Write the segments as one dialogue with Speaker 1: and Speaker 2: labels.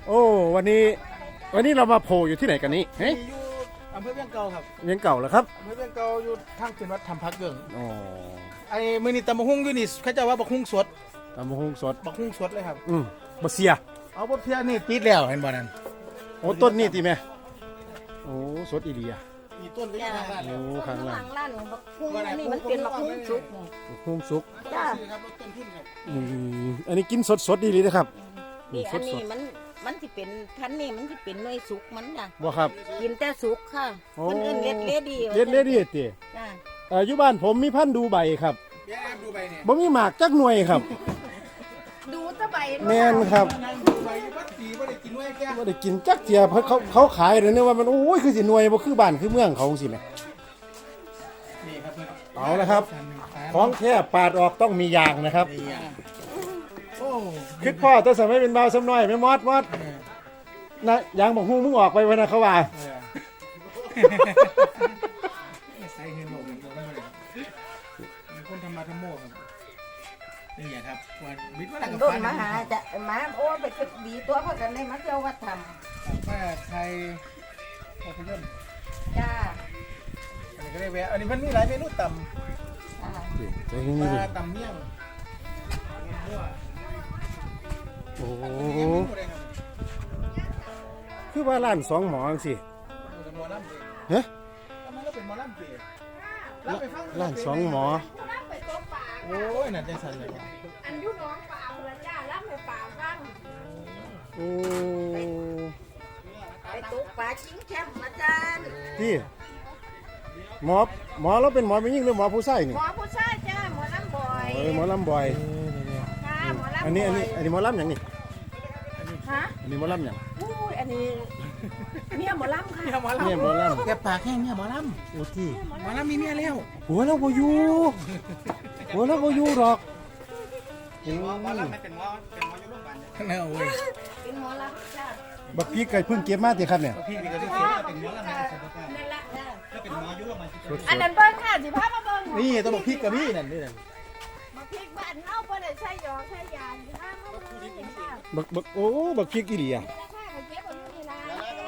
Speaker 1: โอ้วันนี้เรามาโผล่อยู่ที่ไหนกันนี้เฮ้ย
Speaker 2: อยู่อำเภอเวียงเก่าครับ
Speaker 1: เวียงเก่าเหรอครับ
Speaker 2: อำเภอเวียงเก่าอยู่ทางเป็นวัดธรรมพักเกิง
Speaker 1: อ๋อ
Speaker 2: ไอ้มื้อนี้ตำบักหุ่งอยู่นี่เขาจะว่าบักหุ่งสด
Speaker 1: ตำบักหุ่งสด
Speaker 2: บักหุ่งสดเลยครับ
Speaker 1: บะเสีย
Speaker 2: เอาบ่เพียนี่ติดแล้วเห็นบ่นั่น
Speaker 1: โอ้ต้นนี่ตีแม่โอ้สดอีเดีย
Speaker 2: มีต้นก็ยังทางร้าน
Speaker 1: โอ้ข้างล่าง
Speaker 3: ร้านบักคุ้งอันนี้มันเป็นบักคุ้งสุกนี่
Speaker 1: บักหุ่งสุก
Speaker 3: จ้า
Speaker 2: ซื้อครับรถต้นทุนครับ
Speaker 1: อันนี้กินสดดีเลยนะครับ
Speaker 3: นี่อัน
Speaker 1: ส
Speaker 3: นี้
Speaker 1: ด
Speaker 3: มันสิเป็นพันธุ์นี่มันสิเป็นหน่วยสุกมันจ้ะ
Speaker 1: บ่ครับ
Speaker 3: กินแต่สุกค่ะ
Speaker 1: โอ้
Speaker 3: คนอื่นเล็ดเลดี
Speaker 1: เล็ดเลยดิตี
Speaker 3: จ้า
Speaker 1: อยู่บ้านผมมีพันธุ์ดูใบครับ
Speaker 2: เดี๋ยวแอบดูไปเนี่ย
Speaker 1: บ่มีหมากจักหน่วยครับ
Speaker 3: ดูตะใบ
Speaker 1: แม่นครับ
Speaker 2: นั่งดูไปวัดปีบ่ได้กินไว้แก่
Speaker 1: บ่ได้กินจักเทียเพราะเขาขายเลยเนี่ยว่ามันโอ้ยคือสิหน่วยบ่คือบ้านคือเมืองเขาสิแหม
Speaker 2: นี่ครับเพิ่น
Speaker 1: เอาละครับ ของแท้ปาดออกต้องมียางนะครับ
Speaker 2: นี่อ่ะโอ้
Speaker 1: คิดพ่อตัวสมัยเป็นบ่าวสำน้อยไม่มอดนะยางบอกฮู้มึงออกไปไว้นะเขาว่า
Speaker 2: ใส่เห็นหมดเลยมีคนทำมาทำโม่ครับนี่อ่ะครับวันวิทย์ว่า
Speaker 3: ตัง
Speaker 2: กับ
Speaker 3: โดน
Speaker 2: ฟัน
Speaker 3: มาหาจะมาโอ้ไปก็ดีตัวเพราะกันได้มาเที่ยววัดธรรม
Speaker 2: ป้าไทยภาพยนตร์
Speaker 3: จ้า
Speaker 2: อันนี้ก็ได้แวะอันนี้มันมีหลายเมนูต่
Speaker 3: จ้า
Speaker 1: ใจ
Speaker 2: ำ
Speaker 1: นี่
Speaker 2: ป
Speaker 1: ดิ
Speaker 2: ลาต่ำเมี่ยงมั่ว
Speaker 1: โอ้
Speaker 2: อันนี้เมนูอะไรครับ
Speaker 1: คือว่าร้านสองหมอจังสิ
Speaker 2: เป็นหมอลำเอง
Speaker 1: ฮะ
Speaker 2: ทำไมเราเป็นหมอลำเองรับไปฟัง
Speaker 1: ร้านสองหมอ
Speaker 2: โอ้ยน่าใจสั่นเลยว่ะ
Speaker 3: อันยุน้องป่าพระจ้ารับไปป่าฟัง
Speaker 1: โอ้
Speaker 3: ไปตกป่าชิงแคมป์อาจารย์
Speaker 1: ที่หมอเราเป็นหมอไม่ยิ่งหรือหมอผู้ชายนี่
Speaker 3: หมอผู้ชายจ้าหมอลำบ่อย
Speaker 1: หมอลำบ่อย
Speaker 3: จ้าหมอลำบ่อย
Speaker 1: อันนี้หมอลำอย่างนี้
Speaker 3: ฮะ
Speaker 1: อันนี้หมอลำอย่าง
Speaker 3: อุ้ยอันนี้เมียหมอลำค่ะ
Speaker 2: เนี่ยหมอลำ
Speaker 1: เนี่ยหมอล
Speaker 2: แกปากแห้งเนี่ยหมอล
Speaker 1: ำโอ้ที่
Speaker 2: ำหมอลำมีเมียแล้ว
Speaker 1: หัวเราบ่อยู่หัวเราบ่อยู่หรอกโอ้
Speaker 2: หมอลำไม่เป็นหมออยู่โรงพยาบาลเนี่ยโอ้ย
Speaker 3: เป็นหมอลำจ้า
Speaker 1: บักพีไก่เพิ่งเก็บมาติครับเนี่ย
Speaker 2: พี่นี่ก็จะเสียเป็นหมอลำในสถานการณ์
Speaker 3: นั่นแหละจ้า
Speaker 2: ถ้าเป็นหมออยู่โรงพยาบาล
Speaker 1: สด
Speaker 3: อันนั้นเบิ้งค่ะสิพามาเบิ้ง
Speaker 2: นี่ต้องบอกพี่กับพี่นั่นนี่นั่น
Speaker 3: มาพริกบ้านเฮาบ่ได้ใช้หยอกใช้ยาสิพามาเบิ้งนี่ค่ะ
Speaker 1: บักโอ้บักพีกี่ดีอ่ะ
Speaker 3: ราคาก็เก็บเอาอยู่นี่ล่ะ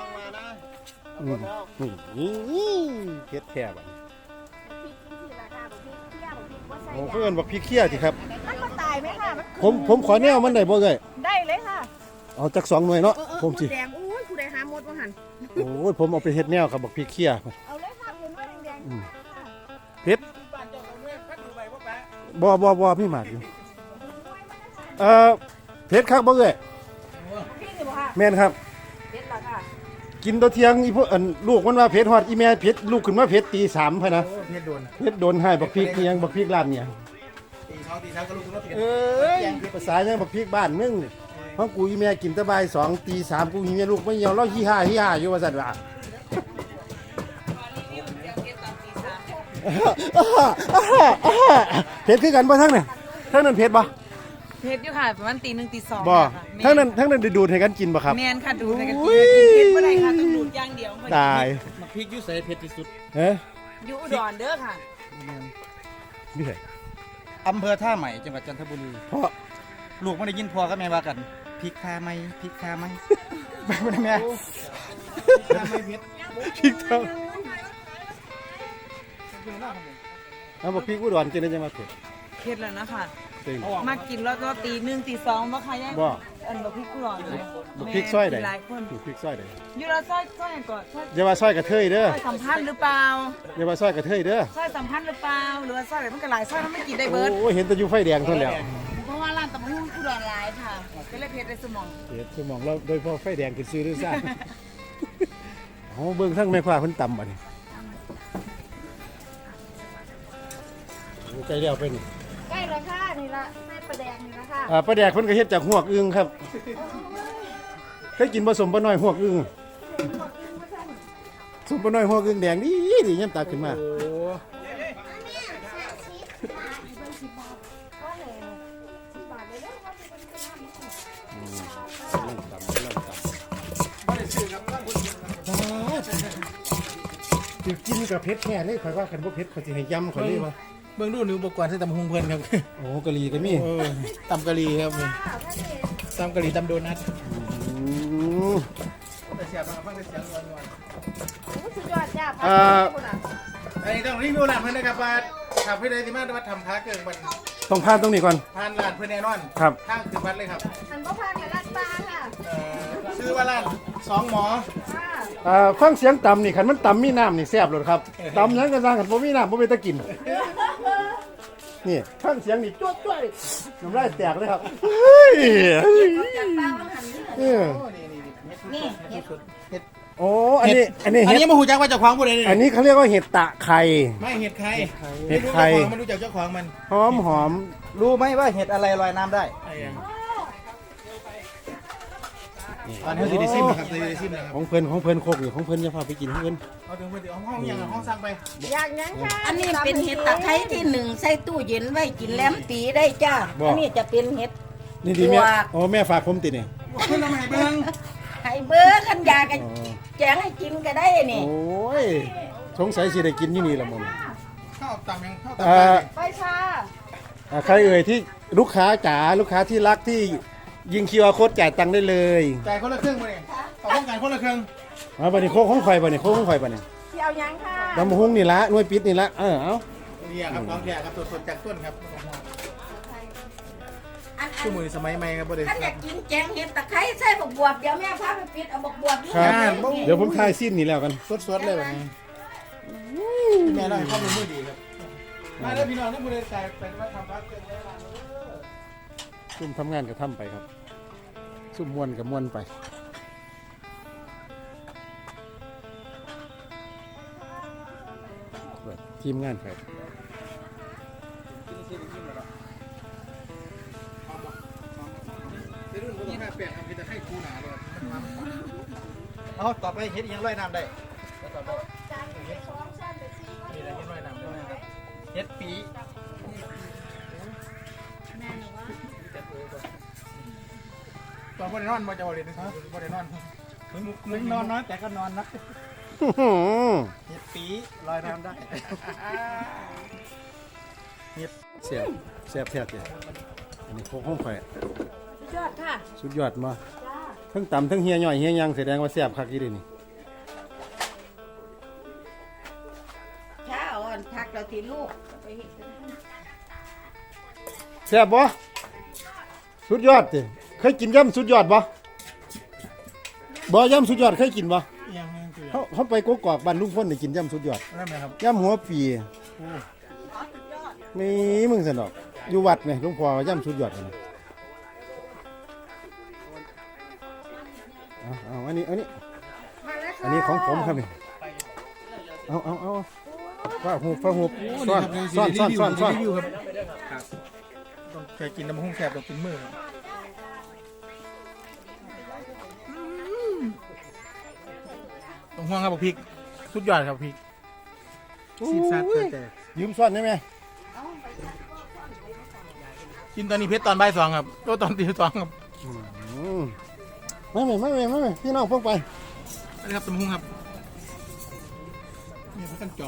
Speaker 1: นี่เฮ็ดแค่บัดนี้
Speaker 3: พริกนี่สิราคาบ่พริกเที่ยวบ่พริกบ่ใส่
Speaker 1: โอ้
Speaker 3: ยา
Speaker 1: เพิ่นบักพีเคี้ยติครับ
Speaker 3: มันบ่ตายไหมค่ะมัน
Speaker 1: ผมขอแนวมันได้บ่เอ้ย
Speaker 3: ได้เลยค่ะ
Speaker 1: เอาจัก2หน่วยเนาะผมสิ
Speaker 3: ดแดงอุ้ยผู้ใดหาหมดบ่หั่น
Speaker 1: โอ้ยผมเอาไปเฮ็ดแนวครับบักพีเคี้ย
Speaker 3: เอาเลยค่ะเป็นว่าแดงๆค่ะ
Speaker 1: เผ็ด
Speaker 2: บ้านเจ้าของเมืองพัดดูใบว่าแปะ
Speaker 1: บ่พี่หมากอยู่เอ่อเผ็ดคักบ่เอ้ย
Speaker 3: พี่นี่บ่ค่ะ
Speaker 1: แม่นครับ
Speaker 3: เผ็ดล่ะค่ะ
Speaker 1: กินตัวเที่ยงอีพวกลูกมันว่าเผ็ดฮอดอีแม่เผ็ดลูกขึ้นมาเผ็ดตี3พะนะ
Speaker 2: โอ้เพชรโดน
Speaker 1: เผ็ดโดนให้บักพริกนี่ยังบักพริกร้านเนี่ย
Speaker 2: ตีเช้าก็ลูกก็เปลี่ยน
Speaker 1: เอ้ยภาษายังบักพริกบ้านมึงนี่เพราะกูอีแม่กินแตะบ่าย2ตี3กูอีแม่ลูกไม่เหี่ยวเราฮีฮ่าอยู่ว่าซั่นว่าเผ็ดคือกันบ่ทั้งเนี่ยทั้งนั้นเผ็ดบ่
Speaker 4: เพชรอยู่ค่ะประมาณตีหนึ่งตีสอง
Speaker 1: บ่
Speaker 4: ค่ะ
Speaker 1: ทั้งนั้นได้ดูดให้กันกินบ่ครับ
Speaker 4: แมนค่ะดูดในกัน
Speaker 1: อุ้
Speaker 4: กิ
Speaker 1: ย
Speaker 4: นเพชรไม่ได้ค่ะต้องดูดอย่างเดียว
Speaker 1: ตาย
Speaker 2: มาพริกยุ่ใส่เพชรที่สุด
Speaker 1: เฮ้ย
Speaker 4: อยู่อุดรเด้อค่ะ
Speaker 1: นี่ไง
Speaker 2: อำเภอท่าใหม่จังหวัดจันทบุรี
Speaker 1: เพราะ
Speaker 2: ลูกไม่ได้ยินพ่อกับแม่ว่ากันพริกคาไหมพริกคาไหมไม่ได้แม่ไม่เพชร
Speaker 1: พริกเท่าเอาบักพริกอุดรกินได้จังมาเผ็ด
Speaker 4: เพชรแล้วนะคะ
Speaker 1: จริง
Speaker 4: มากินแล้วก็ตีหนึ่งตีสองมาค่ะย่า
Speaker 1: บ่
Speaker 4: อันบะพริกอุดรเลย
Speaker 1: บักพริกซอยใด
Speaker 4: แม่นหลายคน
Speaker 1: บักพริกซอยใด
Speaker 4: อยู่เราซอยก่อนซอย
Speaker 1: อย่าว่าซอยกระเทยเด้อ
Speaker 4: ซอยสัมพันธ์หรือเปล่า
Speaker 1: อย่าว่าซอยกระเทยเด้อ
Speaker 4: ซอยสัมพันธ์หรือเปล่าหรือว่าซอยอะไรมันก็หลายซอยมันไม่กินได้เบิร์ด
Speaker 1: โอ้เห็นแต่อยู่ไฟแดงเท่านั้นแหล้ว
Speaker 4: เพราะว่าร้านตำบักหุ่งอุดรหลายค่ะก็เลยเพชรในสมอง
Speaker 1: เฮ็ดสมองเราโดยเฉพาะไฟแดงขึ้นซื้อด้วยซ่าโอ้เบิ่งทั้งแม่ค้าเพิ่นต่ำบัดนี้โอ้ไก่แล้วเป็น
Speaker 3: ใกล้ราคานี่ล่ะใส่ปลาแดงนี่ล่ะค่ะ
Speaker 1: ปลาแดกเพิ่นก็เฮ็ดจากหวกอึ่งครับเคยกินผสมปลาน้อยหวกอึ่งสมปลาน้อยหวกอึ่งแดงดีดียามตาขึ้นมา
Speaker 2: โอ้
Speaker 1: เดี๋ยวกินกับเพชรแค่เลยข่อยว่ากันบ่เพชรข่อยสิให้ยำข่อยเลยว่า
Speaker 2: เบื้องดูนิ้วอุปกรณ์ใส่ตำหงเพลินครับ
Speaker 1: โอ้กะหรี่ก็มี
Speaker 2: ตำกะหรี่ครับตำกะหรี่ตำโดนัท
Speaker 1: อืม
Speaker 2: แต่เสียบฟังแต่เสียงนวล
Speaker 3: โอ้สุดยอดจ้า
Speaker 2: ไอ้ต้องรีวิวร้านเพื่อนนะครับว่าขับเพื่อนได้ที่มาว่าทำพาเกิงมัน
Speaker 1: ต้องผ่านตรงนี้ก่อน
Speaker 2: ทานร้านเพื่อนแน่นอน
Speaker 1: ครับ
Speaker 2: ทางคือวัดเลยครับ
Speaker 3: อันบ่พานกับร้านปลาค่ะ
Speaker 2: ชื่อว่าร้านสองหมอ
Speaker 3: ค่ะ
Speaker 1: ฟังเสียงต่ำนี่คันมันต่ำมีน้ำนี่แซ่บเลยครับต่ำยังกระซังคันผมมีน้ำผมไปตะกินนี่ฟังเสียงนี่จ้วดจ้วยน้ำลายแตกเลยครับเฮ้ย
Speaker 4: จากป้ามันหัน
Speaker 1: เออ
Speaker 2: นี่เห็ด
Speaker 1: โอ้อันนี้
Speaker 2: อันนี้มาหูจักว่าเจ้าของผู้ใดนี่
Speaker 1: อันนี้เขาเรียกว่าเห็ดตะไคร้
Speaker 2: ไม่เห็ดใคร
Speaker 1: เห็ดใคร
Speaker 2: ไม่รู้จักเจ้าของมัน
Speaker 1: หอมหอม
Speaker 5: รู้ไหมว่าเห็ดอะไรลอยน้ำได้
Speaker 2: ไอ้ยังตอนนี้ซีดีซิมนะครับซีดีซิมนะครับ
Speaker 1: ของเพิ่นโคกอยู่ของเพิ่นจะพาไปกินของเพิ่น
Speaker 2: เอาถึงเพื่อนเดี๋ยวห้องอย่างห้องสั่งไป
Speaker 3: อยากยังค่ะ
Speaker 4: อันนี้เป็นเห็ดตะไคร้ที่หนึ่งใส่ตู้เย็นไว้กินแหลมปีได้จ้าอันนี้จะเป็นเห็ด
Speaker 1: นี่ดีแม่
Speaker 4: ปลวก
Speaker 1: โอ้แม่ฝากผมติเนี่ย
Speaker 2: เพื่อนทำไมเบิ้ง
Speaker 4: ไห้เบอร์ขันยากันแจงให้กินก็ได้นี่
Speaker 1: โอ้ยสงสัยสิได้กินอยู่นี่ละมึง
Speaker 2: ข้าวต่ำยังข้าวต่ำ
Speaker 3: ไปชา
Speaker 1: ใครเอ่ยที่ลูกค้าจ๋าลูกค้าที่รักที่ยิงคิวอาร์โค้ดจ่ายตังค์ได้เลย
Speaker 2: จ่ายคนละครึ่งมาเนี่ยต่อต้องการคนละครึ่ง
Speaker 1: มาบัดนี้โค้กของข่อยบัดนี้โค้กของข่อยบัดนี้
Speaker 3: ที่เอายังค่ะ
Speaker 1: ลำหุ้งนี่ละหน่วยปิดนี่ละเอา
Speaker 2: นี่ครับน้องแก่ครับสดๆจากต้นครับ
Speaker 4: อัน
Speaker 2: ชั่วโมงสมัยใหม่ครับประเดี๋ยว
Speaker 4: ท่านอยากกินแจงเห็ดตะไคร้ใส่บักบวบเดี๋ยวแม่พาไปปิดเอาบักบวบนี่
Speaker 1: ครับ
Speaker 2: บ่
Speaker 1: เดี๋ยวผมทายสิ้นนี่แล้วกัน
Speaker 2: สดๆเลยแบบนี้แม่เราให้ข้อมูลมือดีครับมาแล้วพี่น้องนี่ผู้ใดจ่ายเป็นว่าทำพักเกินได้ละ
Speaker 1: ซุ่มทำงานก็ทำไปครับซุ่มมวนกับมวนไปแบบทีมงานครับ
Speaker 2: เดี๋ยวรุ่นผมต้องให้เปลี่ยนทำกินแต่ให้คูหนาเลยมัน
Speaker 5: เอาต่อไปเห็ดยังลอยน้ำได้
Speaker 3: จานไปสองชั้นไปสี่
Speaker 2: มีอะไรที่น้อยนำด้วยนะครับ
Speaker 5: เห็ดปี
Speaker 2: ตอนบริโนอนมาจะบริโนอนบริโนอนมึงนอนน้อยแต่ก็นอนนะ
Speaker 1: อื้อหือ
Speaker 5: เห็ดปีลอยน้ำได้
Speaker 1: เสียบเสียบแทบเลยอันนี้โค้กของข่อย
Speaker 3: สุดยอดค่ะ
Speaker 1: สุดยอดมา
Speaker 3: จ้า
Speaker 1: ทั้งต่ำทั้งเฮียย่อยเฮียยังแสดงว่าแซ่บคักอีเดีนี่
Speaker 4: เช้าอ่อนพักเราทีลูกไปเห็ด
Speaker 1: แซ่บบ่สุดยอดติเคยกินย่ำสุดยอดบ่บ่ย่ำสุดยอดเคยกินบ่
Speaker 2: ยังคือ
Speaker 1: เขาไปกกอกบ้านลุงพ่นได้กินย่ำสุดยอด
Speaker 2: นั่นไหมครับ
Speaker 1: ย่ำหัวปีนี่มึงสนอกอยู่วัดไหมลุงพ่อว่าย่ำสุดยอดเลยเอาอันนี้อันนี้
Speaker 3: มาแล้วค่ะ
Speaker 1: อันนี้ของผมครับนี่เอาฟ้าหูฟ้าหูซ่อนครับ
Speaker 2: ต้องเคยกินน้ำหุ้งแสบต้องกินมือต้องห่วงครับพริกสุดยอดครับพริกซีซัดแต่
Speaker 1: ยืมซ่อนได้ไหม
Speaker 2: กินตอนนี้เพชรตอนบ่ายสองครับก็ตอนตีสองครับ
Speaker 1: ไม่พี่น้องพวกไป
Speaker 2: นี่ครับตำหุ้งครับนี่พักกันจอง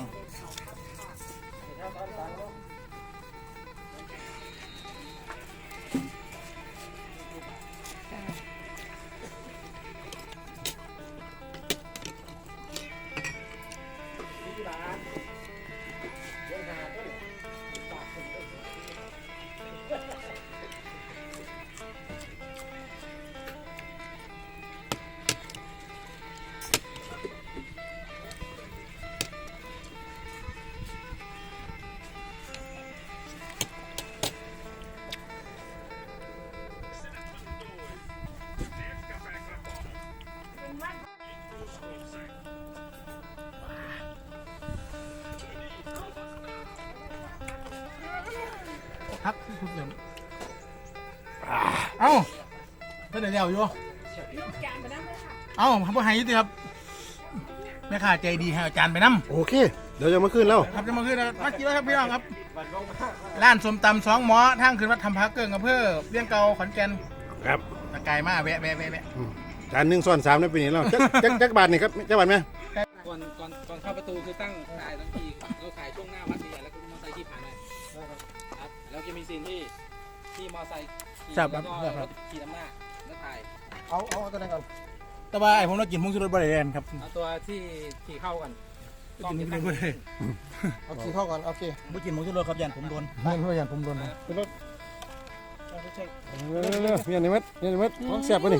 Speaker 2: พักทุกเดือนเอ้าเพื่อนเดียวอยู่
Speaker 3: ลูกจานไปนั่งเลยค่ะ
Speaker 2: เอ้าพ่อหายยุติครับแม่ค้าใจดีให้เอาจานไปน้ำ
Speaker 1: โอเคเดี๋ยวจะมาขึ้นแล้ว
Speaker 2: ครับจะมาขึ้นแล้วมากินแล้วครับพี่น้องครับร้านสมตำสองหมอทางขึ้นวัดทำพักเกิงอำเภอเลี้ยงเก่าขอนแก่น
Speaker 1: ครับ
Speaker 2: ตะไกลมาแวะ
Speaker 1: จาน1 ซ้อน 3นั่นเป็นนี่แล้วจักบาทนี่ครับจักบาทไหม
Speaker 6: ก่อนเข้าประตูคือตั้งขายทั้งทีเราขายช่วงหน้าวัดใหญ่แล้วก็มอเตอร์ไซค์ที่ผ่านครับแล้วจะมีซีนที่มอเตอร์ไซค์ขี่แล้วก็รถขี่นำหน้าแล้วถ่าย
Speaker 5: เอาตัวนั้นก่อน
Speaker 2: แต่ว่าไอ้ผมเรากินผงชูรสบริเวณครับ
Speaker 6: เอาตัวที่เข้ากัน
Speaker 2: กินนี่เลยเอาขี้เข้าก่อนโอเคไม่กินผงชูรสครับยันผมโดนไม่ยันผมโดนนะ
Speaker 1: เร็วเมียนี่มัดของแซ่บป่ะนี่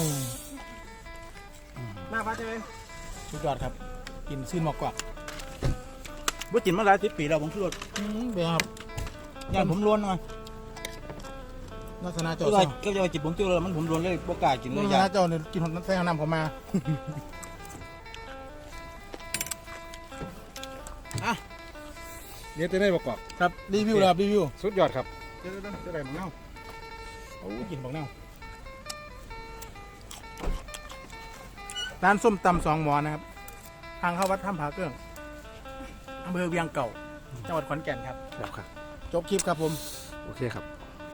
Speaker 5: หน้าพัดใช่ไหม
Speaker 2: สุดยอดครับกินซื่นมากกว่าไม่กินมาหลาย10 ปีแล้วผงชูรสเป็นครับยันผมล้วนหน่อยลักษณะเจ้าก็จะจิบผงชูรสมันผมล้วนเลยบ่กล้ากินเลยลักษณะเจ้าเนี่ยกินใส่น้ำเขามาอ่ะ
Speaker 1: เดี๋ยวจะได้ประกอบ
Speaker 2: ครับรีวิวแล้วรีวิว
Speaker 1: สุดยอดครับ
Speaker 2: จะได้บักเน่าโอ้กินบักเน่าร้านส้มตำ2 หมอนะครับทางเข้าวัดถ้ำผาเกื้องอำเภอเวียงเก่าจังหวัดขอนแก่นครับ
Speaker 1: ครับ
Speaker 2: จบคลิปครับผม
Speaker 1: โอเคครับ